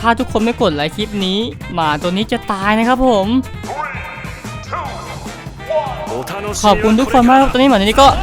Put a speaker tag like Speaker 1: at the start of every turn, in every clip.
Speaker 1: าทุกคนไม่กดไลค์คลิปนี้หมาตัวนี้จะตายนะครับผมขอบคุณทุกคนมากครับตอนนี้หมาตัวนี้ก็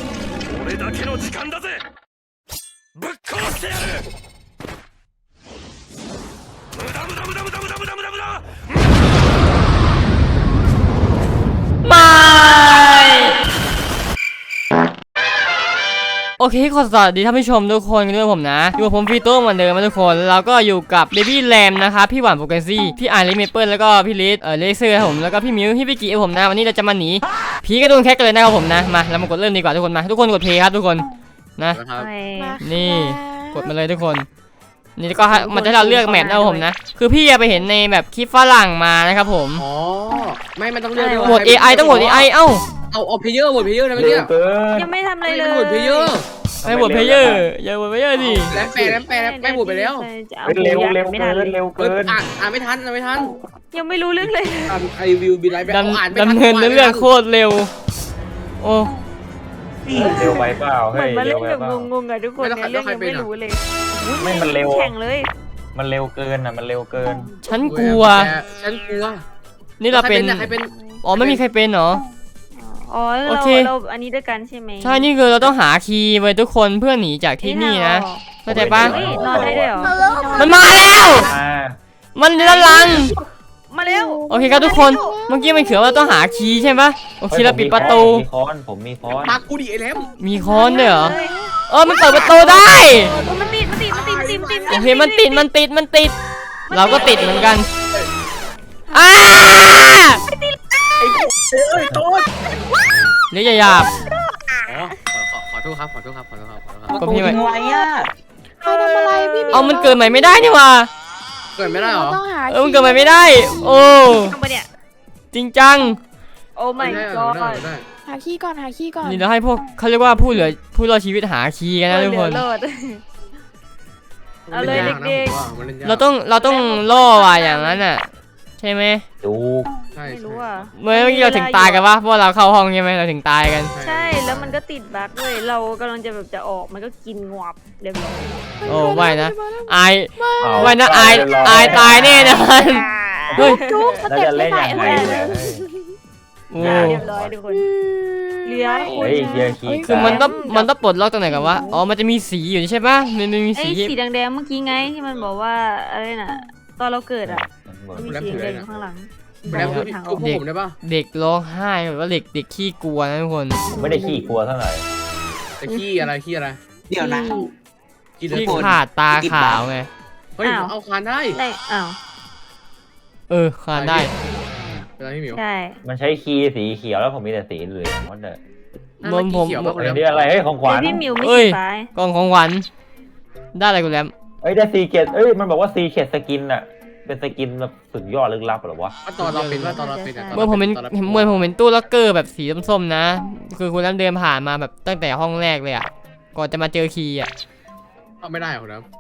Speaker 1: โอเคขอสวัสดีท่านผู้ชมทุกคนกันด้วยผมนะอยู่กับผมฟีโต้เหมือนเดิมนะทุกคนแล้วก็อยู่กับเบบี้แรมนะครับพี่หวานโปรเกรสซี่พี่ไอริเมเปิลแล้วก็พี่ลิสเลเซอร์ครับผมแล้วก็พี่มิวพี่ปิกิผมนะวันนี้เราจะมาหนีผีกระโดนแคกกันเลยนะครับผมนะมาเรามากดเริ่มดีกว่าทุกคนมาทุกคนกดเพลย์ครับทุกคนนะนี่กดมาเลยทุกคนนี่ก็มันจะให้เราเลือกแมปนะครับผมนะคือพี่ไปเห็นในแบบคลิปฝรั่งมานะครับผม
Speaker 2: อ๋อไม่ต้องเลือก
Speaker 1: โหวต AI ต้องโหวต AI เอ้า
Speaker 2: เอาเพลเยอร์โหวตเพลเยอร์นะเมื่อกี้
Speaker 3: ยังไม่ทำอะไรเลย
Speaker 2: โหวตเพลเยอร์
Speaker 1: ไม่โหวตเพลเยอร์อย่าโหวตเพลเยอร์ดิ
Speaker 2: แล้วแปลไม่โหวตไปแล้ว
Speaker 4: เร็วเกิน
Speaker 2: อ่านไม่ทัน
Speaker 3: ยังไม่รู้เรื่องเลย
Speaker 2: ไอวิวบีไลฟ์
Speaker 1: ดำเนินเรื่องโคตรเร็วโอ้
Speaker 4: เร็วไปเปล่าเฮ้ย
Speaker 3: มาเล่นแบบงงๆอะทุกคนในเรื่องยังไม่รู้เลย
Speaker 4: ไม่มันเร็ว
Speaker 3: แข่งเลย
Speaker 4: มันเร็วเกินอ่ะมันเร็วเกิน
Speaker 1: ฉันกลัวนี่เราเป็นอ๋อไม่มีใครเป็นเหรอ
Speaker 3: อ๋อเราอันนี้ด้วยกันใช่ไหม
Speaker 1: ใช่นี่คือเราต้องหาคีย์ไว้ทุกคนเพื่อหนีจากที่นี่นะเข้าใจปะ
Speaker 3: นอนได้ด้วยเหรอ
Speaker 1: มันมาแล้วมันด้านหลัง
Speaker 3: มาแล้ว
Speaker 1: โอเคครับทุกคนเมื่อกี้มันเขียนว่าต้องหาคีย์ใช่ปะโอเคเราปิดประตู
Speaker 4: มีค้อนผมมีค้อน
Speaker 2: ปากกูดิไอ้แหลม
Speaker 1: มีค้อนด้วยเหรอมันเปิดประตูได้
Speaker 3: มันติด
Speaker 1: โอเคมันติดเราก็ติดเหมือนกันเรียกหยาบ
Speaker 2: ขอโทษครับ
Speaker 1: ก็พี่ไม่
Speaker 5: อะไรอ่ะ
Speaker 3: ใครทำอะไรพี่
Speaker 1: มันเกิดใหม่ไม่ได้นี่ว่า
Speaker 2: เกิดไม่ได้หรอ
Speaker 1: มันเกิดใหม่ไม่ได้โอ้จริงจัง
Speaker 3: โอ้ my god
Speaker 5: หาขี้ก่อน
Speaker 1: นี่เราให้พวกเขาเรียกว่าผู้รอดชีวิตหาคีย์กันนะทุกคน
Speaker 3: เอาเลยเด็กๆ
Speaker 1: เราต้องล่อว่ะอย่างนั้นอ่ะใช่ไหม
Speaker 4: ดู
Speaker 3: ไม่รู้อ่ะ
Speaker 1: เมื่อกี้เราถึงตายกันวะเพราะเราเข้าห้องใช่ไหมเราถึงตายกัน
Speaker 3: ใช่แล้วมันก็ติดบั๊กด้วยเรากำลังจะแบบจะออกมันก็กินงวบเรียบร้อย
Speaker 1: โอ้ไม่นะอายไม่นะอายตายแน่นอน
Speaker 5: เฮ้ยจุ๊บสเต็ปไม่ไหวเลย
Speaker 3: เรียบร้อยทุกคนเหลือ
Speaker 1: คือมันต้องปลดล็อกตรงไหนกันวะอ๋อมันจะมีสีอยู่ใช่ปะมันมีสี
Speaker 3: แดงๆเมื่อกี้ไงที่มันบอกว่าอะไรน่ะตอนเราเกิดอ่ะมีสีแดงข้างหลัง
Speaker 1: เด็กร้องไห้แบบว่าเด็กขี้กลัวนะทุกคน
Speaker 4: ไม่ได้ขี้กลัวเท่าไหร่
Speaker 2: แต่ขี้อะไร
Speaker 5: เดี๋ยวนะ
Speaker 1: ขี้ขาดตาขาวไง
Speaker 2: เฮ้ยเอาคานได้
Speaker 3: อ้าว
Speaker 1: คานได้
Speaker 3: ใช่
Speaker 4: มันใช้คีย์สีเขียวแล้วผมมีแต่สีเหลืองหมดเลย
Speaker 1: ผม
Speaker 4: นี่อะไรเฮ้ยของขวัญ
Speaker 1: กล่องของขวัญได้อะไรกูแล้ว
Speaker 4: ได้ซีเกตมันบอกว่าซีเกตสกินอะเป็นสกินแบบสุดยอดลึกลับหรอวะ
Speaker 2: ตอนเราเป็น
Speaker 1: เมื่อผมเป็นตู้ล็อกเกอร์แบบสีส้มๆนะคือคุณน้ำเดินผ่านมาแบบตั้งแต่ห้องแรกเลยอ่ะก่อนจะมาเจอคีย์อ่ะ
Speaker 2: ไม่ได้เหรอครับ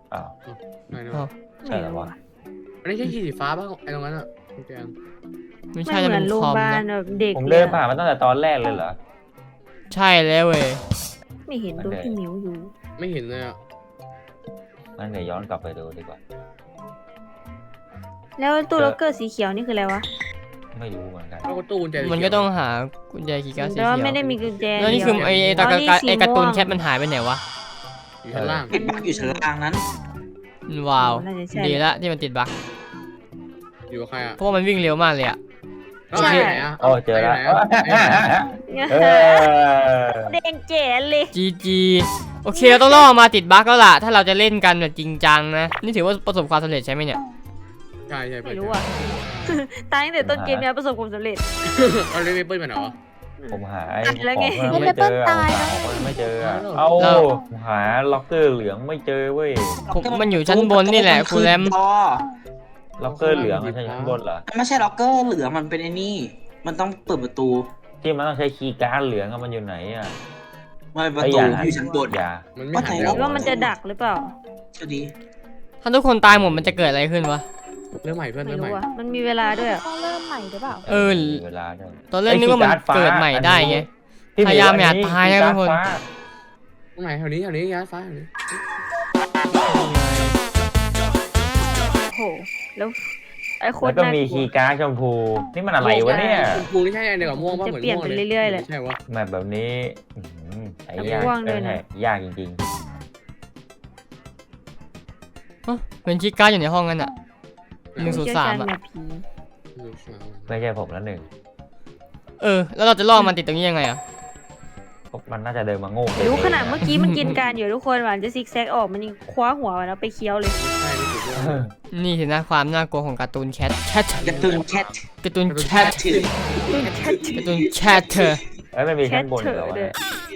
Speaker 4: ใช่แล้ววะ
Speaker 2: ไม่ใช่คีย์สีฟ้าป่ะไอ้ตรงนั้นอ่ะ
Speaker 1: ไม่ใช่จะเป็นคอมนะ
Speaker 4: ผมเดินผ่านมาตั้งแต่ตอนแรกเลยเหรอ
Speaker 1: ใช่แล้วเว้ย
Speaker 3: ไม่เห็นตัวพี่มิวอยู่
Speaker 2: ไม่เห็นเลยอ่ะ
Speaker 4: งั้นเดี๋ยวย้อนกลับไปดูดีกว่า
Speaker 3: แล้วตู้ล็อกเกอร์สีเขียวนี่คืออะไรวะ
Speaker 4: ไม่รู้เหมือนกัน
Speaker 1: มันก็ต้องหากุญแจคีย์การ์ดสีเขียว
Speaker 3: ไม่ได้มีกุญแจ
Speaker 1: แล้วนี่คือไอ้การ์ตูนแคทมันหายไปไหนวะ
Speaker 2: อยู่ชั้นล่าง
Speaker 5: ติดบั๊กอยู่ชั้นล่างนั้น
Speaker 1: ว้าวดีละที่มันติดบั๊ก
Speaker 2: อยู่กับใครอ่ะ
Speaker 1: เพราะมันวิ่งเร็วมากเลยอ่ะ
Speaker 3: ใช่
Speaker 4: เจอแล้ว
Speaker 3: เด้งเจ๋เลย
Speaker 1: จีโอเคเราต้องล่อมาติดบั๊กแล้วล่ะถ้าเราจะเล่นกันแบบจริงจังนะนี่ถือว่าประสบความสำเร็จใช่ไหมเนี่ย
Speaker 2: ใช่
Speaker 3: ไม่รู้อ่ะตายตั้งแต่ต้นเกมเนี่ยประสบความสำเร็จ
Speaker 2: เอาเลยเปิ้ลมาเหรอ
Speaker 4: ผมหาของไม่เจอไม่เจอเอาหาล็อกเกอร์เหลืองไม่เจอเว้ย
Speaker 1: มันอยู่ชั้นบนนี่แหละคุณแรม
Speaker 4: ล็อกเกอร์เหลืองใช่ชั้นบนเหรอ
Speaker 5: ไม่ใช่ล็อกเกอร์เหลืองมันเป็นไอ้นี่มันต้องเปิดประตู
Speaker 4: ที่มันต้องใช้คีย์การ์ดเหลืองมันอยู่ไหนอ่ะ
Speaker 5: ไม่ประตูอยู่ชั้นบน
Speaker 2: มันไม่หาย
Speaker 3: ว่ามันจะดักหรือเปล่า
Speaker 5: ก็ดี
Speaker 1: ถ้าทุกคนตายหมดมันจะเกิดอะไรขึ้นวะ
Speaker 2: เริ่มใหม่เพื่อนเริ่มใหม่
Speaker 3: มันมีเวลาด้วย
Speaker 5: ต้องเริ่มใหม่หรือเปล่า
Speaker 4: เวลาด้วย
Speaker 1: ตอนเล่นนึกว่ามันเกิดใหม่ได้ไงพยายามอย่าตายนะทุกคน
Speaker 2: ตรงไหนแถวนี้ย้ายฟ้าแถวนี้
Speaker 3: โหแล้วไอ้โค
Speaker 4: แล้
Speaker 3: ต
Speaker 4: ว
Speaker 3: ร
Speaker 4: ก็
Speaker 3: น่า
Speaker 4: มี
Speaker 3: กลั
Speaker 4: คี
Speaker 3: ว
Speaker 4: ย์การ์ดชมพูนี่มันอะไรวะเนี่ย
Speaker 2: ชมพูนี่ใช่อันเดียวกับม่วงป่ะเหมือนม่วงเลย
Speaker 3: จะเปลี่ยนไปเรื่อยๆเลย
Speaker 2: ใช่วะ
Speaker 4: แบบนี้ใส่ยาก
Speaker 3: กว้างด้วยนะ
Speaker 4: ยากจริง
Speaker 1: เป็นชิก้าอยู่ในห้องกันอ่ะ 103
Speaker 3: อะ
Speaker 1: อะ
Speaker 4: ๆไม่ใช่ผมแล้วหนึ่ง
Speaker 1: แล้วเราจะล่อมันติดตรงนี้ยังไงอ่ะ
Speaker 4: มันน่าจะเดินมาโง่เลย
Speaker 3: รู้ขนาดเมื่อกี้มันกินการอยู่ทุกคนหวานจะซิกแซกออกมันยังคว้าหัวมันแล้วไปเคี้ยวเลย
Speaker 2: ใช่นี่ถูกต้อง
Speaker 1: นี่สินะความน่ากลัวของการ์ตูนแคท
Speaker 5: การ์ตูนแคท
Speaker 1: การ์ตูนแคท
Speaker 5: ถือ
Speaker 1: การ์ตูนแคทเธอ
Speaker 4: เอ้ยมันมีชั้นบนเหรอวะ
Speaker 3: แคทเถอะ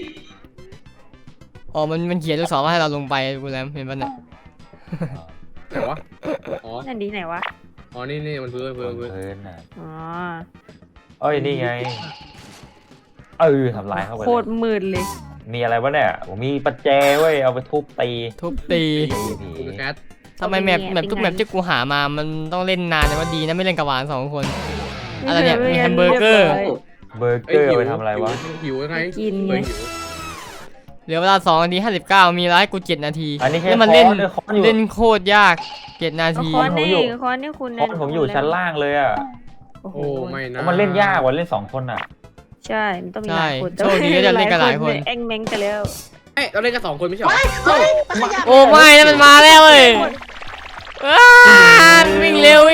Speaker 1: อ๋อมันเขียนลูกศรว่าให้เราลงไปกูแล้วเห็นปะเนี่ย
Speaker 2: ไหนวะอ๋อ
Speaker 3: นั่นดีไหนวะ
Speaker 2: อ๋อนี่มันพื้น
Speaker 4: บนพื้นน่ะ
Speaker 3: อ๋อ
Speaker 4: เอ้ยนี่ไงทำลายเข้าไป
Speaker 3: โคตรมืดเลย
Speaker 4: มีอะไรวะเนี่ยผมมีประแจเว้ยเอาไปทุบตี
Speaker 1: ทุบตี
Speaker 4: ผี
Speaker 2: กูเป็นแคท
Speaker 1: ทำไมแมปทุกแมปที่กูหามามันต้องเล่นนานแต่ว่าดีนะไม่เล่นกับหวาน2 คน อะไรเนี่ยมีแฮมเบอร์เกอร์
Speaker 4: เบอร์เกอร์เอาไปทำอะไรวะ
Speaker 2: หิวยังไง
Speaker 3: กิน
Speaker 2: เอ
Speaker 3: ไง
Speaker 2: อหิว
Speaker 1: เหลือเวลา2 นาที 59มีร้ายกู7 นาที
Speaker 4: อันนี้แค่
Speaker 1: แล้วมันเล่น
Speaker 4: คอนอยู่
Speaker 1: เล่นโคตรยาก7 นาที
Speaker 3: คอนนี่คอนนี่คุณ
Speaker 4: คอนผมอยู่ชั้นล่างเลยอ่ะ
Speaker 3: โอ้โห
Speaker 2: โอ้ไม่นะ
Speaker 4: มันเล่นยากกว่าเล่น2 คนอ่ะ
Speaker 3: ใช่มันต้องมีหลายคน
Speaker 1: ใช่โชคดีที่จะเล่นกันหลายคน
Speaker 3: แองแมงกันแล้ว
Speaker 2: เอ้ยเราเล่นกัน2 คนไม่ใช่เหรอ
Speaker 1: โอ้ไม่นะมันมาแล้วเว้ยวิ่งเร็ว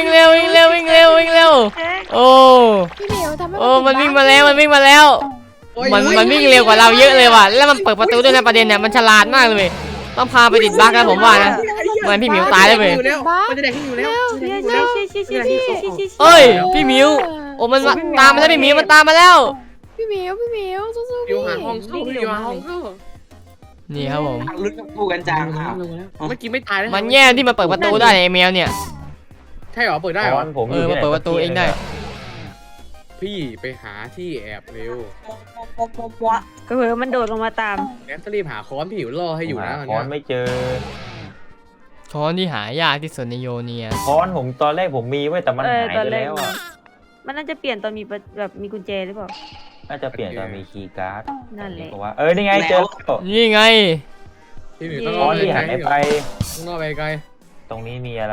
Speaker 1: โอ้
Speaker 6: พี่เหมียวทำให้
Speaker 1: โอ้มันวิ่งมาแล้วมันวิ่งมาแล้ว มันวิ่งเร็วกว่าเราเยอะเลยว่ะแล้วมันเปิดประตูด้วยนะประเด็นเนี่ยมันฉลาดมากเลยเว้ยต้องพาไปติดบั๊กนะผมว่านะมันพี่หมิวตายแล้วเว้ย
Speaker 2: มันจะแดกที่อยู่แล้ว
Speaker 1: เอ้ยพี่หมิวโอ้มันตามมาแล้วพี่หมิวมันตามมาแล้ว
Speaker 6: พี่เหมียวสู้ๆ
Speaker 2: อยู่
Speaker 6: พี่
Speaker 2: หาห้องเข้าอยู่หาห้องเข้า
Speaker 1: นี่ครับผม
Speaker 5: ลุ้นกับกูกันจังค่ะ
Speaker 2: เมื่อกี้ไม่ตายเลย
Speaker 1: มันแย่ที่มันเปิดประตูได้ไอ้แมวเนี่ย
Speaker 2: ใช่เหรอเปิดได้
Speaker 4: ค
Speaker 2: เหรอ
Speaker 4: อนผมอยู่
Speaker 1: มันเปิดประตูเองได้
Speaker 2: พี่ไปหาที่แอบเร็ว
Speaker 3: ก็เผื่อมันโดดลงมาตาม
Speaker 2: แอมต้องรีบหาค้อนพี่หิวรอให้อยู่นะ
Speaker 4: คอนไม่เจอ
Speaker 1: ช้อนที่หายากที่สุดในโยเนีย
Speaker 4: คอนผมตอนแรกผมมีไว้แต่มันหาย
Speaker 3: ตอน
Speaker 4: ไป
Speaker 3: แรก
Speaker 4: แล้วอ่ะ
Speaker 3: มันน่าจะเปลี่ยนตอนมีแบบมีกุญแจหรือเปล่า
Speaker 4: น่าจะเปลี่ยนตอนมีคีย์การ์ด
Speaker 3: นั่นแหละ
Speaker 4: เพราะว่านี่ไงเจอแล้ว
Speaker 1: นี่ไง
Speaker 2: พี่หิวต้อง
Speaker 4: ค
Speaker 2: รอ
Speaker 4: อน
Speaker 2: ไป
Speaker 4: ที่
Speaker 2: ไกล
Speaker 4: หายไป
Speaker 2: ต้องรอไปไกล
Speaker 4: ตรงนี้มีอะไร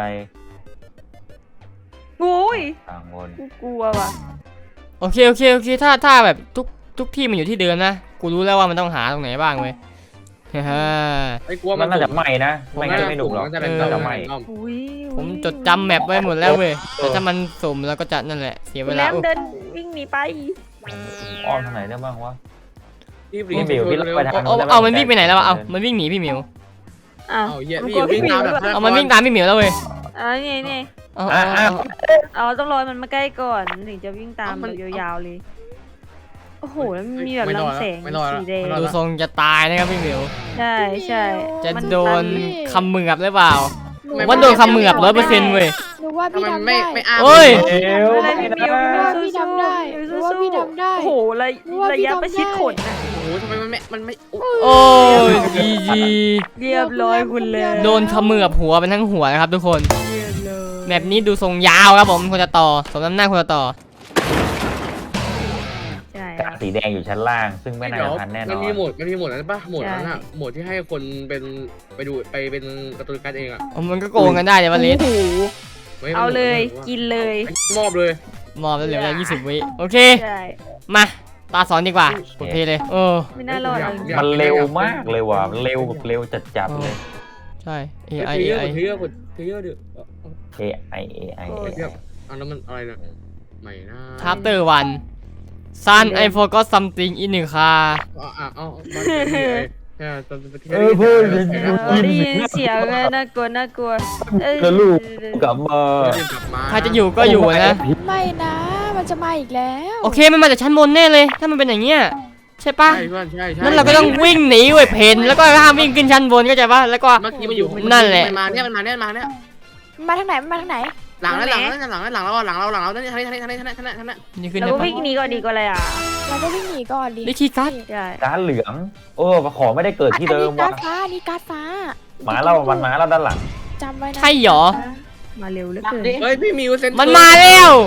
Speaker 3: โอ้ย
Speaker 4: ต่างบน
Speaker 3: กูกลัวว่ะ
Speaker 1: โอเคถ้าแบบทุกที่มันอยู่ที่เดิมนะกูรู้แล้วว่ามันต้องหาตรงไหนบ้างเว้ยฮ่า
Speaker 2: ไอ้กลัว
Speaker 4: มันน่าจะใหม่นะไม่งั้นไม่หนุกหรอก
Speaker 2: จะ
Speaker 4: น่าจะใหม่
Speaker 3: อุ้ย
Speaker 1: ผมจดจำแมปไว้หมดแล้วเว้ยแต่ถ้ามันสุ่มแล้วก็จะนั่นแหละเสียเว
Speaker 3: คุณ
Speaker 1: ลา
Speaker 3: แรมเดินวิ่งหนีไป
Speaker 4: อ้อมทางไหนได้บ้างวะ
Speaker 2: พี่
Speaker 4: พี่หมิวพี่เราไปทาง
Speaker 1: เอามันวิ่งไปไหนแล้ววะเอามันวิ่งหนีพี่หมิว
Speaker 3: อ้าว
Speaker 2: เอาเหี้ย
Speaker 3: มัน
Speaker 2: พี่
Speaker 3: กลัว
Speaker 2: วิ่งตามแบบ
Speaker 1: เอามันวิ่งตามพี่หมิวแล้วเว้ย
Speaker 3: นี่
Speaker 1: เอา
Speaker 3: ต้องรอมันมาใกล้ก่อนถึงจะวิ่งตามแบบยาวๆเลยโอ้โหแล้วมันมีแบบลำแสงสีแดง
Speaker 1: ดูทรงจะตายนะครับพี่หมิว
Speaker 3: ใช่
Speaker 1: จะ
Speaker 3: มัน
Speaker 1: โดน
Speaker 3: ตั
Speaker 1: คำเหมือบหรือเปล่า
Speaker 6: หนู
Speaker 1: ว่าโดนคำเหมือบ100%เว้ย
Speaker 6: หนูว่า
Speaker 2: ทำ
Speaker 6: พี่
Speaker 2: ไม
Speaker 6: ทำ
Speaker 2: ไม่
Speaker 6: ได้
Speaker 2: ไม่อ้าม
Speaker 1: เฮ้ย
Speaker 3: อะไรพี่มิว
Speaker 6: ว่าพี่ทำได้หนูว่าพี่ทำได้
Speaker 3: โอ้โหระยะประชิดขนนะ
Speaker 2: โอ้โหทำไมมันไม่
Speaker 1: โอ้ยจี
Speaker 3: เรียบร้อยคุณเลย
Speaker 1: โดนคำเหมือบหัวเป็นทั้งหัวนะครับทุกคน
Speaker 3: เรียบร้อย
Speaker 1: แบบนี้ดูทรงยาวครับผมควรจะต่อสมน้ำหน้าควรจะต่อ
Speaker 3: ใช่
Speaker 4: กาสีแดงอยู่ชั้นล่าง ซึ่งไม่น่าจะทันแน่น
Speaker 2: มั
Speaker 4: อน น
Speaker 2: มีโหมดนั้นปะโหมดนั้นอะโหมดที่ให้คนเป็นไปดูไปเป็นการ์ตูนการ์ดเองอะ
Speaker 1: มันก็โกงกันได้เดี๋ยววันนี้
Speaker 3: โอ้โหเอาเลยกินเลย
Speaker 2: มอบเลย
Speaker 1: มอบแล้วเหลือเวลา20 วิโอเค
Speaker 3: ใช่
Speaker 1: มาตาสอนดีกว่าโอเคเลยโอ้
Speaker 3: ไม่น่ารอดเลย
Speaker 4: มันเร็วมากเลยว่ะมันเร็วแบบเร็วจัดๆเลย
Speaker 1: ใช่
Speaker 2: เทีย
Speaker 1: AI
Speaker 2: ร์
Speaker 1: AI
Speaker 2: เทียร์เทียร์เดือด
Speaker 4: AI
Speaker 2: อันนั้นมันอะไรนะใหม่นะ
Speaker 1: Chapter 1 Son I forgot something in the car
Speaker 2: เอา
Speaker 3: ได้ยินเสียงเลยน่ากลัวเอ้ย
Speaker 4: ก็ลูกกลับมา
Speaker 1: ใครจะอยู่ก็อยู่นะ
Speaker 6: ไม่นะ มันจะมาอีกแล้ว
Speaker 1: โอเคมันมาจากชั้นบนแน่เลย ถ้ามันเป็นอย่างเงี้ยใช่ปะ
Speaker 2: ใช่เพื่อนใช่
Speaker 1: นั่นเราก็ต้องวิ่งหนีเว้ยเพนแล้วก็ห้ามวิ่งขึ้นชั้นบนก็จะปะแล้วก็
Speaker 2: เมื่อกี้มันอยู่
Speaker 1: นั่นแหละ
Speaker 2: มันมาเนี่ย
Speaker 6: มันมาทางไหนมันมาทางไหน
Speaker 2: หลังเรานั่น
Speaker 1: นี่ขึ้น
Speaker 3: เรา
Speaker 1: ได้
Speaker 3: ก็
Speaker 1: ปะ
Speaker 3: วิ่งหนีก่อนดีกว่าอะไรอ่ะ
Speaker 6: เราก็วิ่งหนีก่อนดิ
Speaker 1: นี่คีย์การ์ด
Speaker 3: ใช่
Speaker 4: การเหลืองโอ้ของไม่ได้เกิดที่เดิม
Speaker 6: กา
Speaker 4: ว่ะ
Speaker 6: รฟ้านี่การฟ้า
Speaker 4: หมาเรามันมาแล้วด้านหลัง
Speaker 6: จำไว้นะ
Speaker 1: ใช่หรอ
Speaker 3: มาเร็วเหลือเกิน
Speaker 2: เฮ้ยพี่มิวเซน
Speaker 1: มันมาแล้ว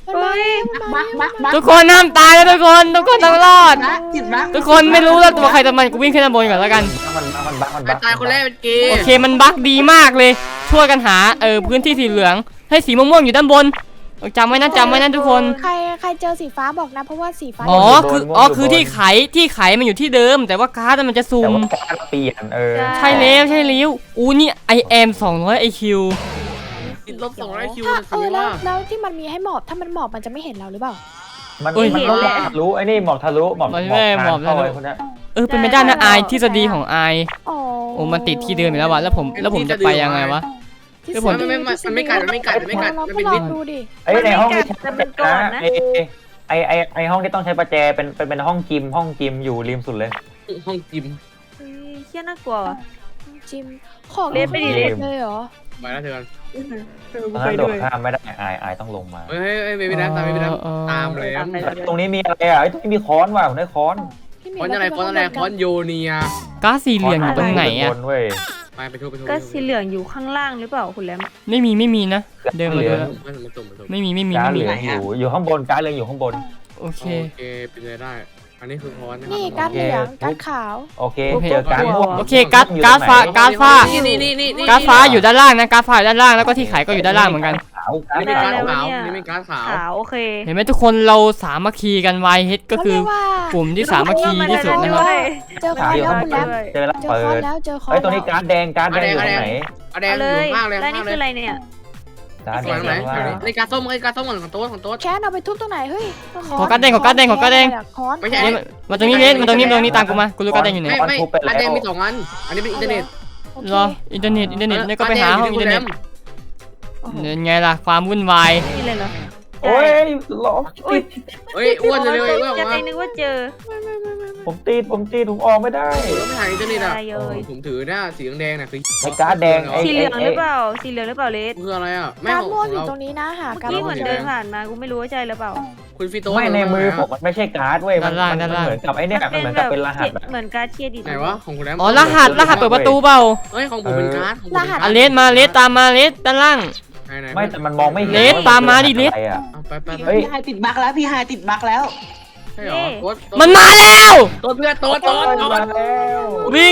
Speaker 6: มันมาแล้วมันมาแล้ว
Speaker 1: ทุกคนห้ามตายแล้วทุกคนต้องรอด
Speaker 5: ติดบัก
Speaker 1: ทุกคนไม่รู้แล้วตัวใครตัวมันกูวิ่งขึ้นด้านบนก่อนแล้วกัน
Speaker 4: มันบัก
Speaker 2: ไปตายคนแรกเป็นเกย์
Speaker 1: โอเคมันบั๊กดีมากเลย ช่วยกันหาพื้นที่สีเหลืองให้สีม่วงๆอยู่ด้านบนจำไว้นะทุกคน
Speaker 6: ใครเจอสีฟ้าบอกนะเพราะว่าสีฟ้า
Speaker 1: คือที่ไขมันอยู่ที่เดิม แต่ว่าการ์ดมันจะซู
Speaker 4: แต่
Speaker 1: ม
Speaker 4: ว่าการเปลี่ยน
Speaker 1: ใช่แล้วอู้นี่ I am 200 IQ
Speaker 2: ติดลบ200 คิว
Speaker 6: ถ้า
Speaker 2: นะสิว่า
Speaker 6: แล้วที่มันมีให้หมอบถ้ามันหมอบมันจะไม่เห็นเราหรือเปล่า
Speaker 4: มันหมอบทะลุไอ้นี่หมอบทะลุหมอบเข้าไปคนนี้
Speaker 1: เป็นไม่ได้นะอายทฤษฎีของอาย
Speaker 6: อ๋อ
Speaker 1: โอ้มันติดที่เดิมอยู่แล้ววะแล้วผมจะไปยังไงวะ
Speaker 2: มันไม่กัด
Speaker 6: เรา
Speaker 2: มัน
Speaker 6: ก็
Speaker 2: เป็น
Speaker 6: ลอ
Speaker 2: วิ
Speaker 6: ง
Speaker 2: ทย์
Speaker 6: ดูดิ
Speaker 4: ไอ้ในห้องที่ใช้ประแจนะไอห้องที่ต้องใช้ประแจเป็นห้องจิมอยู่ริมสุดเลย
Speaker 2: ห้องจิม
Speaker 3: เชี่ยน่ากลัว
Speaker 6: จิมของ
Speaker 3: เล่นไปดิ
Speaker 6: เลยเหรอ
Speaker 2: ไปแล้วเธอกัน
Speaker 4: ตอนนั้นโดดข้ามไม่ได้อายต้องลงมา
Speaker 2: เฮ้ยไม่ได้ตามเลย
Speaker 4: ตรงนี้มีอะไรอ่ะไอ้ตรงนี้มีค้อนว่ะผมได้ค้อน
Speaker 2: ค้อนอะไรค้อนโยเนีย
Speaker 1: ก๊าซสีเหลืองอยู่ตรงไหนอะ
Speaker 2: ไปทุบ
Speaker 3: ก็สีเหลืองอยู่ข้างล่างหรือเปล่าคุณแรม
Speaker 1: ไม่มีนะเดินมาดูแล้ว
Speaker 2: มันตุ่ม
Speaker 1: ไม่มี
Speaker 4: การเหลืองอยู่ข้างบนการเหลืองอยู่ข้างบน
Speaker 1: โอเค
Speaker 2: เป็นไปได้ อันนี้คือค้อน
Speaker 6: นี่การ์ดเหลืองการ์ดขาว
Speaker 4: โอเคเจอการม่วง
Speaker 1: โอเคก๊าซฟ้าก๊าซฟ้าอยู่ด้านล่างนะก๊าซฟ้าอยู่ด้านล่างแล้วก็ที่ไขก็อยู่ด้านล่างเหมือนกัน
Speaker 4: ขาว
Speaker 2: นี่เป็นการขาวนี่เป็นการขาว
Speaker 3: ขาวโอเค
Speaker 1: เห็นไหมทุกคนเราสามัคคีกันไวเฮดก็คือกลุ่มที่สามัคคีที่สุดนะครับ
Speaker 6: เจอคอนแล้วคุณแรม
Speaker 4: เจอแล้ว
Speaker 6: เจอ
Speaker 4: เปิ
Speaker 6: คอน
Speaker 4: ด
Speaker 6: แล้วเจอคอน
Speaker 4: ไอ้ตัวนี้การแดงอยู่ตรงไหน
Speaker 2: อะแดง
Speaker 3: เล
Speaker 2: อยู่
Speaker 3: ย
Speaker 2: ข้างเลย
Speaker 3: แล้วนี่คืออะไรเนี่ย
Speaker 4: การแด
Speaker 2: ข้าง งไหน
Speaker 4: ว่า
Speaker 2: ในการส้มของโต๊ะ
Speaker 6: แคนเอาไปทุบตรงไหนเฮ้ย
Speaker 1: ขอการ์ดแดง
Speaker 6: คอน
Speaker 2: ไม่ใช่
Speaker 1: มาตรงนี้เลสมาตรงนี้ตามกูมากูรู้การ์ดแดงอยู่ไหน
Speaker 2: ไม่อะแดงมี2 อันอันนี้เป็นอินเทอร์เน็ต
Speaker 1: รออินเทอร์เน็ตเนี่ยก็ไปหาห้องอินเทอร์เน็ตเนี่ยไงล่ะความวุ่นวาย
Speaker 3: นี่เลยเหรอ
Speaker 4: โอ้ยหลอก
Speaker 2: เฮ้ยอ้วนเลยอ้วน
Speaker 3: จะ
Speaker 2: มา
Speaker 3: ไปนึกว่าเจอ
Speaker 4: ผมตีผมออกไม่ได้
Speaker 2: ไม่ถ่ายอินเทอร์เน็ตอ่ะผมถือหน้าสีแดงน่ะคือ
Speaker 4: ไอ้การ์ดแดงไอ้
Speaker 3: สีเหลืองหรือเปล่าสีเหลืองหรือเปล่าเลส
Speaker 2: คืออะไรอ่ะไม่
Speaker 6: การ์ด
Speaker 2: ของ
Speaker 6: ม่วงอยู่
Speaker 2: เรา
Speaker 6: ตรงนี้นะหาการ์ด
Speaker 3: นี่
Speaker 6: ม่
Speaker 3: เห
Speaker 6: ว
Speaker 3: มื
Speaker 6: ง
Speaker 3: อนเดินผ่านมากูไม่รู้ว่าใช่หรือเปล่า
Speaker 2: คุณฟิโต้
Speaker 4: ไม่ในมือผมมันไม่ใช่การ์ดเว้ยมันเหมือนกับไอ้เนี่ยมันเหมือนกับเป็นรหัส
Speaker 3: เหมือนการเครดิต
Speaker 2: ไหนวะของคุณแรม
Speaker 1: อ๋อรหัสเปิดประตูเปล่า
Speaker 2: เฮ้ยของผมเป็นการ์ด
Speaker 1: อ่ะเลสมาเลสตามมาเลสด้านล่าง
Speaker 4: ไม่แต่มันมองไม่เห็น
Speaker 1: เลสตามมาดิเลส
Speaker 2: ไป
Speaker 5: พี่ไฮติดบักแล้วพี่ไฮติดบักแล้ว
Speaker 2: ใช่หรอ
Speaker 1: มันมาแล้ว
Speaker 2: ตัวเพื่อนตัว
Speaker 4: มาแล้ว
Speaker 1: วิ่ง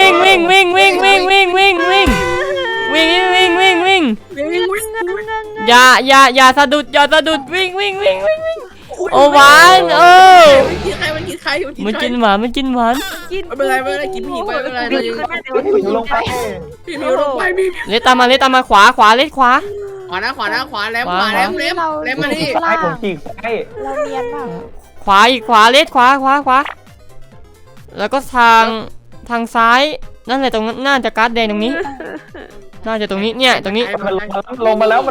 Speaker 1: อย่าสะดุดวิ่งโอ้หวานมันกินหวาน
Speaker 2: ไม่เป็นไรกินผีไปไม่เป็นไรเรายัง
Speaker 4: ลงไป
Speaker 2: พี่มิวลงไปพี่
Speaker 1: เลสตามมาขวาเลสขวา
Speaker 2: ขวาแลมมานี่
Speaker 4: ซ้ายผมฉีกซ้าย
Speaker 6: เราเนียนเปล่า
Speaker 1: ขวาอีกขวาเลสขวาแล้วก็ทางซ้ายนั่นแหละตรงน่าจะการ์ดแดงตรงนี้น่าจะตรงนี้เนี่ยตรงนี้
Speaker 4: มันลงมาแล้ว
Speaker 2: กัด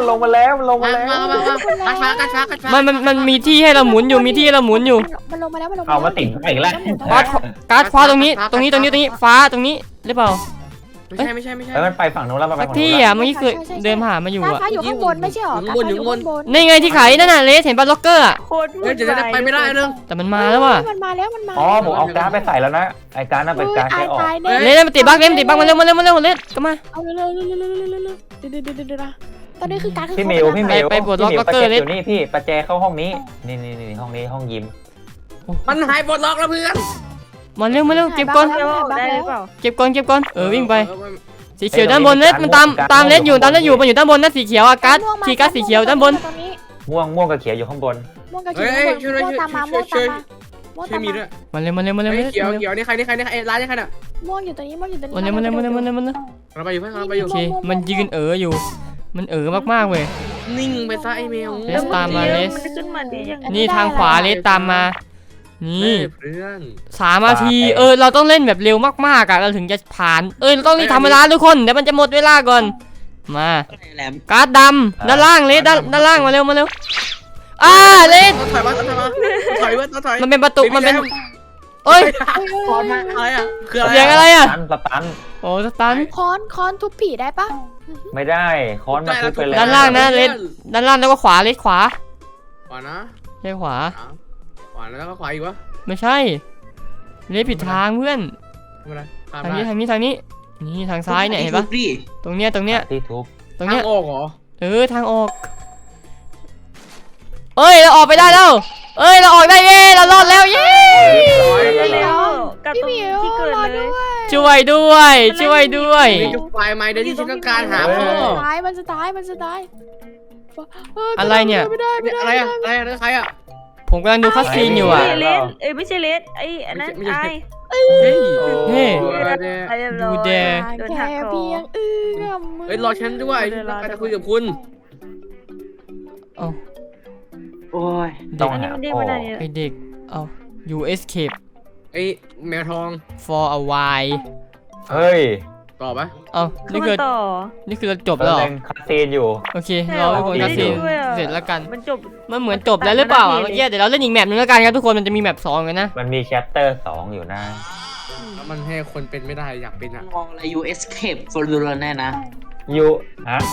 Speaker 2: ฟ้า
Speaker 1: มันมีที่ให้เราหมุนอยู่
Speaker 6: มันลงมาแล้ว
Speaker 4: เอามาติดอีกแล้ว
Speaker 1: การ์ดฟ้าตรงนี้ฟ้าตรงนี้หรือเปล่า
Speaker 2: ไม่ใช่
Speaker 4: แล้วมันไปฝั่งนู้นแล้วมันไป
Speaker 1: สัก
Speaker 4: ฝั่งนู้
Speaker 1: ที่
Speaker 4: น
Speaker 1: อ่ะเมื่อกี้คือเดินผ่านมาอยู่
Speaker 6: การ์ด
Speaker 1: อ่ะ
Speaker 6: ฟ้าอยู่ข้างบนไม่ใช่หรอการ์ดฟ้าอยู่ข้างบน
Speaker 1: นี่ไงที่ไขนั่นน่ะเลสเห็นป่ะล็อกเกอร์อ่ะ
Speaker 3: โคตร
Speaker 2: เฮ้ยจะไปไม่ได้เรื่อง
Speaker 1: แต่มันมาแล้วว่ะ
Speaker 6: มันมาแล้ว
Speaker 4: อ๋อผมเอาการ์ดไปใส่แล้วนะไอ้การ์ดน่ะเป็นการ์ดใช้ออก
Speaker 1: เลสมันติดบั๊กมาเร็วเลสก็มา
Speaker 6: เอาเร็วตอนนี้คือการ์ด
Speaker 4: พี่มิว
Speaker 1: ไปปลดล็อกล็อกเกอร์เลย
Speaker 4: อยู่นี่พี่ประแจเข้าห้องนี้นี่ห้องนี้ห้องยิม
Speaker 2: มันหายปลดล็อกแล้วเพื่อน
Speaker 1: มาเร็วเก็บก่อน
Speaker 3: ได้หรือเปล่า
Speaker 1: เก็บก่อนวิ่งไปสีเขียวด้านบนเลสมันตามเลสอยู่มันอยู่ด้านบนนะสีเขียวอ่ะการ์ดสีเขียวด้านบน
Speaker 4: ม่วงกับเขียวอยู่ข้างบน
Speaker 6: ม่วงกับเขียวม่วงตามมา
Speaker 2: ช่วยมีด้วย
Speaker 1: มาเร็ว
Speaker 2: เขียวนี่ใครร้านนี่ใครน่ะ
Speaker 6: ม่วงอยู่ตรงนี้
Speaker 1: มาเร็ว
Speaker 2: เราไปอยู่เพื่อนเราไปอยู่
Speaker 1: โอเคมันยืนอยู่มันมากเว้ย
Speaker 2: นิ่งไปซะไอเมล
Speaker 1: เลสตามมาเลส
Speaker 3: มันขึ้นมาดียัง
Speaker 1: นี่ทางขวาเลสตามมานี่
Speaker 2: เพื่อน
Speaker 1: 3 นาทีเราต้องเล่นแบบเร็วมากๆอ่ะเราถึงจะผ่านเราต้องรีบทำเวลาทุกคนเดี๋ยวมันจะหมดเวลาก่อนมาการ์ดดำด้านล่างเลสด้านล่างมาเร็วเลส
Speaker 2: ถอย
Speaker 1: มันเป็นประตูมันเป็นเอ้ย
Speaker 2: อะไรอ่ะคืออะไร
Speaker 1: เสียงอะไรอ่ะ
Speaker 4: สตัน
Speaker 1: โอ้สตัน
Speaker 6: ค้อนทุบผีได้ปะ
Speaker 4: ไม่ได้ค้อนมาทุบไปแล้ว
Speaker 1: ด้านล่างนะเลสด้านล่างแล้วก็ขวาเลสขวา
Speaker 2: ขวานะ
Speaker 1: ใช่ขวา
Speaker 2: ขวาแล้วก็ขวาอีกวะ
Speaker 1: ไม่ใช่เลสผิดทางเพื่อน
Speaker 2: ทำอะไร
Speaker 1: ทางนี้นี่ทางซ้ายเนี่ยเห็นปะตรงเนี้ย
Speaker 4: ที่ทุบ
Speaker 1: ตรงเนี้ย
Speaker 2: ออกเหรอ
Speaker 1: ทางออกเอ้ยเราออกไปได้แล้วเอ้ยเราออกได้เย้เรารอดแล้วเย้
Speaker 3: เร็วกับตรงที่เกิดเลย
Speaker 1: ช่วยด้วยช่วยด้วย
Speaker 2: นี่จะไฟไหมเดี๋ยวที่ฉันต้องการหาพ่อ
Speaker 6: มันจะตาย
Speaker 1: อะไรเนี่ย
Speaker 2: อะไรอะอะไรใครอะ
Speaker 1: ผมกำลังดูคัสซีนอยู่อ่ะ
Speaker 3: เลสไม่ใช่เลสไอ้อันนั้นไอ้
Speaker 1: เฮ้ย
Speaker 3: ไอ้เรียบร้อย
Speaker 1: ดูแด
Speaker 3: โดนหักคอ
Speaker 6: เพียงมือ
Speaker 2: เฮ้ยรอฉันด้วยฉันต้องการจะคุยกับคุณ
Speaker 1: เอา
Speaker 5: โอ้ย
Speaker 4: ต้อง
Speaker 3: อันนี้
Speaker 4: หา
Speaker 3: มันเด้ง
Speaker 4: พ่อ
Speaker 3: ไม่ได้เนี่ย
Speaker 1: ไอเด็กเอา you escape
Speaker 2: ไอ้แมวทอง
Speaker 1: for a while
Speaker 4: เฮ้ย
Speaker 2: ตอบปะ
Speaker 1: เอา
Speaker 3: คือ
Speaker 1: นี่
Speaker 3: มั
Speaker 1: คือน
Speaker 3: ต่อ
Speaker 1: นี่คือเราจบแล้วเหรอ
Speaker 4: เร่งคัดซีนอยู่
Speaker 1: โอเครอให้คนคัสซีนเสร็จแล้วกัน
Speaker 3: มันจบ
Speaker 1: มันเหมือนจบแล้วหรือเปล่าเมื่อกี้เดี๋ยวเราเล่นอีกแมปนึงแล้วกันครับทุกคนมันจะมีแมป2กันนะ
Speaker 4: มันมีแชปเตอร์2อยู่นะ
Speaker 2: แล้วมันให้คนเป็นไม่ได้อยากเป็นอะ
Speaker 5: มองอะไร you escape for the run แน่นะ
Speaker 4: ยูฮะ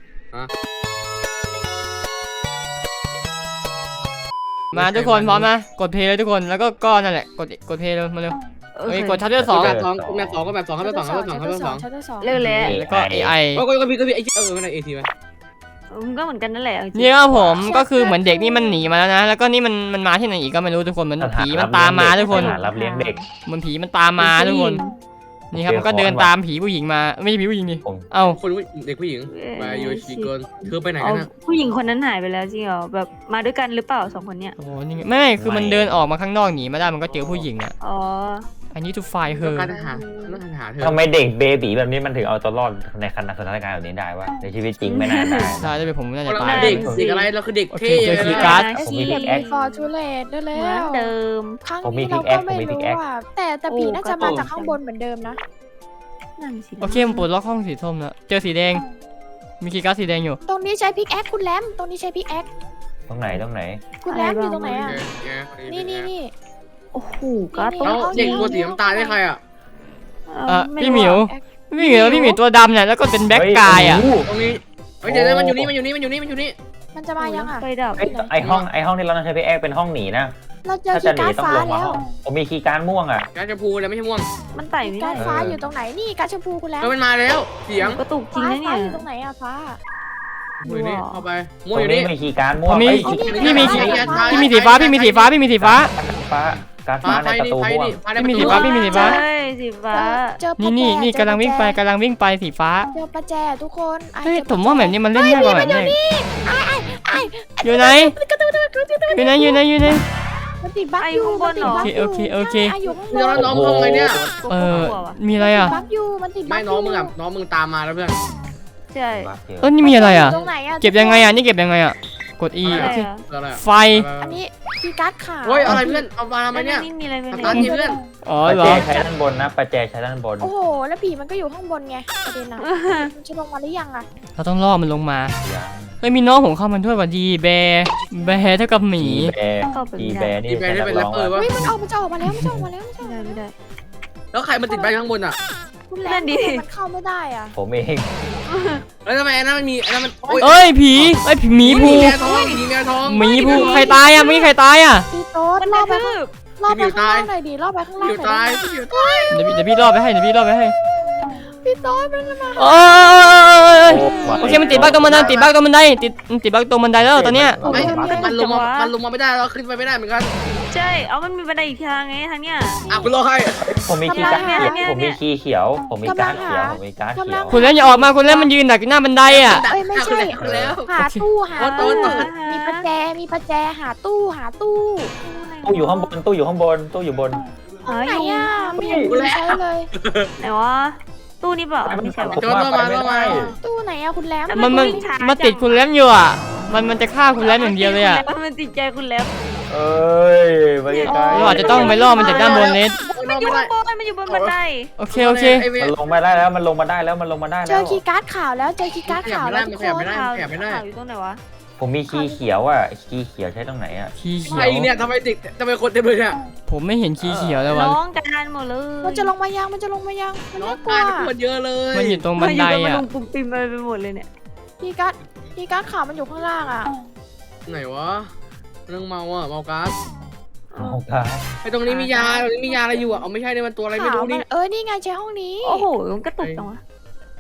Speaker 1: มาทุกคนพร้อมนะกดเพลย์เลยทุกคนแล้วก็นั่นแหละกดเพลย์เลยมาเร็วเอ้ยกดชัปเตอร์2
Speaker 2: แบบ2ก็แบบ2ครับแบบ2ครับแบบ2
Speaker 3: เลิกแล้ว
Speaker 1: แล้วก็ AI
Speaker 2: ก็พี่ไม่ได้AT ไหม
Speaker 3: มันก็เหมือนกันนั่นแหละ
Speaker 1: นี่ครับผมก็คือเหมือนเด็กนี่มันหนีมาแล้วนะแล้วก็นี่มันมาที่ไหนอีกก็ไม่รู้ทุกคนเหมือนผีมันตามมาทุกคน
Speaker 4: สถานรับเลี้ยงเด็ก
Speaker 1: เหมือนผีมันตามมาทุกคนนี่ครับมันก็เดินตามผีผู้หญิงมาไม่ใช่ผีผู้หญิงดิ
Speaker 4: ผม
Speaker 1: เอ้า
Speaker 2: คนเด็กผู้หญิงมาโยชิโกนเธอไปไหน
Speaker 3: อ๋อ
Speaker 2: กันนะ
Speaker 3: ผู้หญิงคนนั้นหายไปแล้วจริงเหรอแบบมาด้วยกันหรือเปล่า2คนเนี้ย
Speaker 1: โอ้โหนี่ไงไม่คือมันเดินออกมาข้างนอกหนีมาได้มันก็เจอผู้หญิงอ่ะ
Speaker 3: อ๋อ
Speaker 1: อันนี้ to find
Speaker 2: ต้อ
Speaker 1: her
Speaker 2: งการหาเธอ
Speaker 4: ทำไมเด็กเบบีแบบนี้มันถึงเอาตัวรอดในสถานการณ์แบบนี้ได้วะในชีวิตจริงไม่น่าได้
Speaker 1: ได้ได้ไปผมน่าจะ
Speaker 2: เรา
Speaker 1: ตาย
Speaker 2: เด็กอะไรเราคือเด็กเท่
Speaker 1: โอเคเจอคีย์การ์ด
Speaker 4: ผมมี
Speaker 6: เก็
Speaker 4: พิ
Speaker 6: บ
Speaker 4: กแอค
Speaker 6: ฟอร์ทูเลตได้แล้
Speaker 3: เหมือน
Speaker 6: ว
Speaker 3: เดิม
Speaker 6: ครั้ง
Speaker 4: ผมมี
Speaker 6: นี้เรา
Speaker 4: pickaxe
Speaker 6: ก็ไม่
Speaker 4: ผมมี
Speaker 6: รู้
Speaker 4: pickaxe
Speaker 6: ว่าแต่ผีน่าจะมาจากข้างบนเหมือนเดิมนะ
Speaker 3: นั่นสิ
Speaker 1: โอเคผมปลดล็อกห้องสีส้มแล้วเจอสีแดงมีคีย์การ์ดสีแดงอยู่
Speaker 6: ตรงนี้ใช้พิกแอคคุณแรมตรงนี้ใช้พิกแอค
Speaker 4: ตรงไหน
Speaker 6: คุณแรมอยู่ตรงไหนอ่ะนี่
Speaker 3: โอ้โหก็
Speaker 2: แล้วเด็กตัวสีน้ำตาลได้ใครอ่ะ
Speaker 1: พี่หมิวพี่หมิวตัวดำเนี่ยแล้วก็เป็นแบ็คกายอ่ะ
Speaker 2: ตรงนี้เดี๋ยวมันอยู่นี่
Speaker 6: มันจะมายังอ่ะ
Speaker 3: ไฟดับ
Speaker 4: ไอห้องที่เราต้องใช้พิกแอคเป็นห้องหนีนะ
Speaker 6: เราเจอ
Speaker 4: ถ้า
Speaker 6: คี
Speaker 4: จะ
Speaker 6: ย์
Speaker 4: หนี
Speaker 6: การ์ด
Speaker 4: ต้องลงมา
Speaker 6: ฟ้าแล้ว
Speaker 4: ห้องผมมีคีย์การ์ดม่วงอ่ะ
Speaker 2: การจะพูแล้วไม่ใช่ม่วง
Speaker 3: มันไต่ไม่
Speaker 6: การ์
Speaker 3: ได้
Speaker 6: ดฟ้าอยู่ตรงไหนนี่การ์ดชมพูคุณแรม
Speaker 2: มันมาแล้วเสียง
Speaker 3: กระตุกจริง
Speaker 6: ฟ้า
Speaker 3: นะเนี่
Speaker 6: ฟ้าย อยู่ตรงไหนอ่ะฟ้า
Speaker 2: อยู่นี่เข้าไป
Speaker 4: ต
Speaker 2: ม่ว
Speaker 4: รง ง
Speaker 2: อยู่
Speaker 4: นี้
Speaker 2: นี่
Speaker 4: มีคีย์การ์ดม่วง
Speaker 1: ผมมี
Speaker 4: เอ้ย
Speaker 1: พี่มี
Speaker 6: คีย์
Speaker 1: พี่มีสีฟ้าพี่มีสีฟ้าพี่มีสีฟ้า
Speaker 4: ฟ้าการ์ดฟ้าในประตูม่วง
Speaker 1: พี่มีสีฟ้าพี่มีสีฟ้า
Speaker 3: ใช่สีฟ้า
Speaker 6: เจอประแจ
Speaker 1: นี่กำลังวิ่งไปสีฟ้า
Speaker 6: เจอประแจทุกคน
Speaker 1: เฮ้ยผมว่าแบบนี้มันเล่นยากกว่าแบบนี้อยู่ไหนอยู่ไหน
Speaker 6: มันติดบั๊กอยู่มันติดบั๊กอยู่
Speaker 1: โอเค
Speaker 6: ใช่อยู่ข้างบ
Speaker 2: เดี๋ยวน น้องทำไงเนี่ย
Speaker 1: มีอะไรอ่ะ
Speaker 6: บั๊กอยู่มันติดบั๊
Speaker 2: ไม่
Speaker 6: ก
Speaker 2: น้องมึงตามมาแล้วเพื่อน
Speaker 3: ใช่
Speaker 1: นี่มีอะไรอ่ะ
Speaker 6: ตรงไหนอ่ะ
Speaker 1: เก็บยังไงอ่ะนี่เก็บยังไงอ่ะกด E
Speaker 3: ใช่
Speaker 1: โอเค
Speaker 2: อะไร
Speaker 1: ไฟ
Speaker 6: อันนี้คีย์การ์ดขาว
Speaker 2: โอ้ยอะไรเพื่อนเอามาทำไมเนี่ย
Speaker 3: นี่มีอะไรไม่
Speaker 2: ตา
Speaker 3: รู้
Speaker 2: ดีเพื่อน
Speaker 1: อ๋อ
Speaker 4: ประ
Speaker 1: เหร
Speaker 4: แจ
Speaker 1: อ
Speaker 4: ใช้ด้านบนนะประแจใช้ด้านบน
Speaker 6: โอ้โหแล้วผีมันก็อยู่ข้างบนไงประเด็นอ่ะมันจะลงมาหรือยังอ่ะ
Speaker 1: เราต้องล่อมันลงมา
Speaker 4: ยัง
Speaker 1: เฮ้ยมีน้องผมเข้ามาด้วยว่ะดีแบร์เท่ากับหมี
Speaker 4: อีแบร์นี่
Speaker 2: อีแบร์ได้เป็นแรปเปอร์วะ
Speaker 6: เฮ้ยมันออกมาแล้วมันจะออกมาแล้ว
Speaker 3: ไม่ได้
Speaker 2: แล้วใครมันติดไปข้างบนอ่ะ
Speaker 6: คุณแรมมันเข้าไม่ได้อ่ะ
Speaker 4: ผมเอง
Speaker 2: แล้วทำไมอันนั้นมันมีอันนั้นมัน
Speaker 1: เอ้ยผีหมีภู
Speaker 2: แมวทองมีแมวทอง
Speaker 1: หมีภูใครตายอ่ะไม่มีใครตายอ่ะ
Speaker 6: พี่โต๊ด
Speaker 3: มัน
Speaker 6: ล่อ
Speaker 3: ได้
Speaker 6: ไป
Speaker 3: ทืบ
Speaker 6: ข้างล่างหน่อยดิล่อไปข้างล่าง
Speaker 2: อยู่
Speaker 6: หน่
Speaker 2: ตา
Speaker 6: อย ย
Speaker 2: อยู่
Speaker 1: เดี๋ยวพี่ล่อไปให้
Speaker 6: พี่โต๊ดมันมา
Speaker 1: โอ้ยโอเคมันติดบั๊กตรงบันไดติดบั๊กตรงบันไดตรงบันไดแล้วตอนเนี้ย
Speaker 2: มันลงมาไม่ได้เราขึ้นไปไม่ได้เหมือนกัน
Speaker 3: ใช่เอามันมีบันไดอีกทางไงทางเนี้ย
Speaker 2: คุณรอใคร
Speaker 4: ผมมีคีย์การ์ดเขียวผมมีคีย์เขียวผมมีการ์ดเขียวผมมีการ์ดเขียว
Speaker 1: คุณแล้วอย่าออกมาคุณแล้วมันยืนดักอยู่หน้าบันไดอ่ะ
Speaker 6: เอ้ยไม่ใช่
Speaker 2: แล้ว
Speaker 6: หาตู้มีประแจหาตู้
Speaker 4: ตู้อยู่ข้างบนตู้อยู่บน
Speaker 6: ไหนอ่ะไม่เห็นใช้เลย
Speaker 3: ไหนวะตู้นี้เปล่าไม่ใช่วะ
Speaker 2: โจนมา
Speaker 6: ตู้ไหนอ่ะคุณแรม
Speaker 1: มันติดคุณแล้วอยู่อ่ะมันจะฆ่าคุณแล้วอย่างเดียวเลยอ่ะ
Speaker 3: มันติดใจคุณแล้ว
Speaker 4: เอ้ยไปไกล
Speaker 1: เราอาจจะต้องไปล่อมันจากด้านบนเลส
Speaker 3: มันอยู่บนมันอยู่บนบันได
Speaker 1: โอเค
Speaker 4: มันลงมาได้แล้วมันลงมาได้แล้ว
Speaker 6: เจอคีย์การ์ดขาวแล้วเจอคีย์การ์ดขาวแล้วทุกคน
Speaker 3: ข่าวอยู่ตรงไหนวะ
Speaker 4: ผมมีคีย์เขียวอ่ะคีย์เขียวใช้ตรงไหนอ่ะ
Speaker 1: คีย์เขี
Speaker 2: ใค
Speaker 1: ย
Speaker 2: ร
Speaker 1: ว
Speaker 2: เนี่ยทำไมติดทำไมคนเต็มเลยเนี่ย
Speaker 1: ผมไม่เห็นคีย์เขียวแล้ววะ
Speaker 3: น้องกันหมดเลย
Speaker 6: มันจะลงมายังมันน่ากลัว
Speaker 2: คนเยอะเลย
Speaker 1: มันอยู่ตรงบันได
Speaker 3: มัน
Speaker 1: อ่ะ
Speaker 3: ลงปุ่มปิมไปหมดเลยเนี่ย
Speaker 6: คีย์การ์ดขาวมันอยู่ข้างล่างอ่ะ
Speaker 2: ไหนวะเรื่องเมาอ่ะเมาก๊าซ
Speaker 4: โอ้ครับ
Speaker 2: ไอตรงนี้มียาอะไรอยู่อ่ะเอาไม่ใช่เนี่ยมันตัวอะไรไม่รู้นี่
Speaker 6: นี่ไงใช้ห้องนี้
Speaker 3: โอ้โหมันกระตุกจังวะ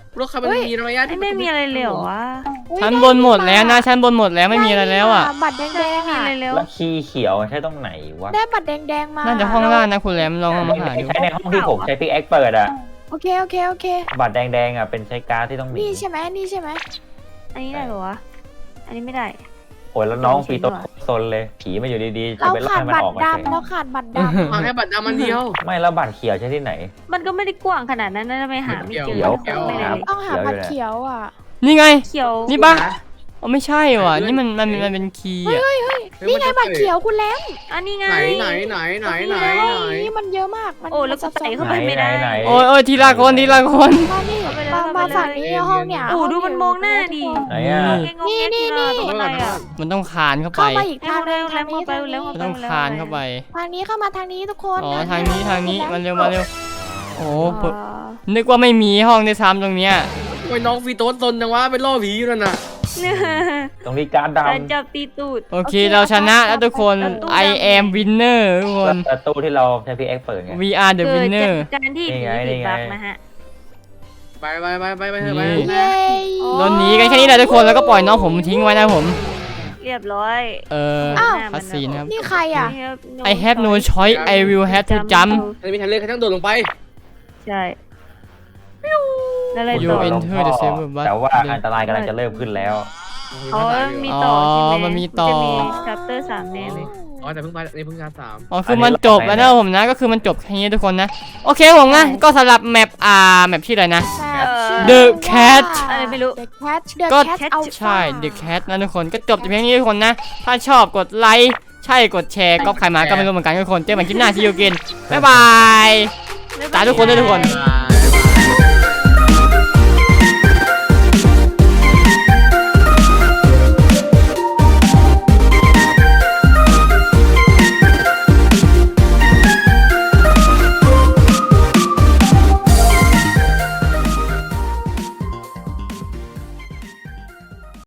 Speaker 2: รถคันมันมีระยะที่
Speaker 3: ไม่มีอะไรเลยเหรอวะ
Speaker 6: อุ๊ย
Speaker 1: ชั้นบนหมดแล้วนะชั้นบนหมดแล้วไม่มีอะไรแล้วอ่ะ
Speaker 6: บัตรแด
Speaker 3: ไม่
Speaker 6: ง
Speaker 3: มี
Speaker 6: ๆ
Speaker 3: อะไร
Speaker 6: อ่ะ
Speaker 3: แล้ว
Speaker 4: แล้วคีย์เขียวใช้ตรงไหนวะ
Speaker 6: ได้บัตรแดงๆมา
Speaker 1: น่าจะห้องล่างนะคุณแรมลองมาหาดู
Speaker 4: ใช้ในห้องที่ผมใช้พิกแอคเปิดอ่ะ
Speaker 6: โอเคโอเคโอเค
Speaker 4: บัตรแดงๆอ่ะเป็นใช้การ์ดที่ต้องหนี
Speaker 6: นี่ใช่ไหมนี่ใช่ไหม
Speaker 3: อันนี้ได้เหรอวะอันนี้ไม่ได้
Speaker 4: โอ้ยแล้วน้องฟีโต้ซนเลยผีมาอยู่ดีๆจะ
Speaker 6: เรา
Speaker 4: ไปไล่
Speaker 6: ขาด
Speaker 4: มัน
Speaker 6: บัต
Speaker 4: อ
Speaker 6: ร
Speaker 4: อกมา
Speaker 6: ดำเราขาดบัตรดำ
Speaker 2: มาแค่บัตรดำมันเดียว
Speaker 4: ไม่แล้วบัตรเขียวใช้ที่ไหน
Speaker 3: มันก็ไม่ได้กว้างขนาดนั้นนะทำไมหาไม่เจอ
Speaker 4: เขียว
Speaker 3: ไม่ได้เลย
Speaker 6: ต้องหาบัตรเขียวอ่ะ
Speaker 1: นี่ไง
Speaker 3: เขียว
Speaker 1: นี่ปะอ๋อไม่ใช่ว่ะนี่มันเป็นคีย์อ่ะ
Speaker 6: นี่ไงบัตรเขียวคุณแล้ว
Speaker 3: อันนี้ไง
Speaker 2: ไหน
Speaker 6: นี่มันเยอะมากมัน
Speaker 3: โอ้แล้วก็
Speaker 6: ซับซ้อน
Speaker 3: ใส่เข้าไปไม่ได้
Speaker 4: ไหน
Speaker 1: โอ้ยทีละคนทีละคน
Speaker 6: มานี่มาฝั่งนี้ห้องเนี่ย
Speaker 3: โอ้ดูมันมองหน้าดิ
Speaker 4: ไหนอ่ะ
Speaker 3: นี่อะไรอ่ะ
Speaker 1: มันต้องคานเข้าไป
Speaker 6: เข้ามาอีกทาง
Speaker 3: เร็ว
Speaker 6: ทางนี้
Speaker 3: ไปเร็ว
Speaker 1: มันต้องคานเข้าไป
Speaker 6: ทางนี้เข้ามาทางนี้ทุกคน
Speaker 1: อ๋อทางนี้มันเร็วมาเร็วโอ้โหนึกว่าไม่มีห้องในซ้ำตรงเนี้ย
Speaker 2: โอ้ยน้องฟีโต้ซนจังวะเป็นล่อผีอยู่นั่นน่ะ
Speaker 4: ตรงนี้การ์ด
Speaker 3: การ
Speaker 4: ดำ
Speaker 3: จับตีตูด
Speaker 1: โอเคเราชนะแล้วทุกคน I am winner ทุกคน
Speaker 4: ประตูที่เราใช้พิกแอคเปิดไง
Speaker 1: We are the
Speaker 3: เกิด
Speaker 1: winner
Speaker 3: จากการที่ผีติดบักนะฮะ
Speaker 2: ไปเถอะไป
Speaker 6: เย้
Speaker 1: โดนหนีกันแค่นี้แหละทุกคนแล้วก็ปล่อยน้องผมทิ้งไว้นะผม
Speaker 3: เรียบร้อย
Speaker 1: คัสซีนครับ
Speaker 6: นี่ใครอ่ะ
Speaker 1: I have no choice I will have to jump
Speaker 2: ไม่มีทางเลือกแค่ต้องโดดลงไป
Speaker 3: ใช่แล้วอะไร
Speaker 1: You
Speaker 3: ต่อ
Speaker 1: enter the server bus
Speaker 4: แต่ว่าอันตรายกำลังจะเริ่มขึ้นแล้ว
Speaker 3: อ๋อมีต่อใช่ไหม
Speaker 1: มันมีต่อ
Speaker 3: จะมี chapter 3แน่เลย
Speaker 2: อ๋อแต่เพิ่งไปนี่เพิ่งการ3
Speaker 1: อ๋อคือมันจบแล้วนะผมนะก็คือมันจบแค่นี้ทุกคนนะโอเคผมนะก็สำหรับแมปแมปชื่ออะไรนะ The Cat
Speaker 3: อะไรไม่รู้
Speaker 6: The Cat The
Speaker 1: ก็
Speaker 6: Cat Alpha
Speaker 1: ใช่ The Cat นะทุกคนก็จบแต่เพียงนี้ทุกคนนะ ถ้าชอบกดไลค์ใช่กดแชร์ก็ใครมาก็ไม่รู้เหมือนกันทุกคนเจอกันคลิปหน้าที่ยูกินบ๊ายบายตาทุกคนด้วยทุกคน
Speaker 2: บ๊ายบาย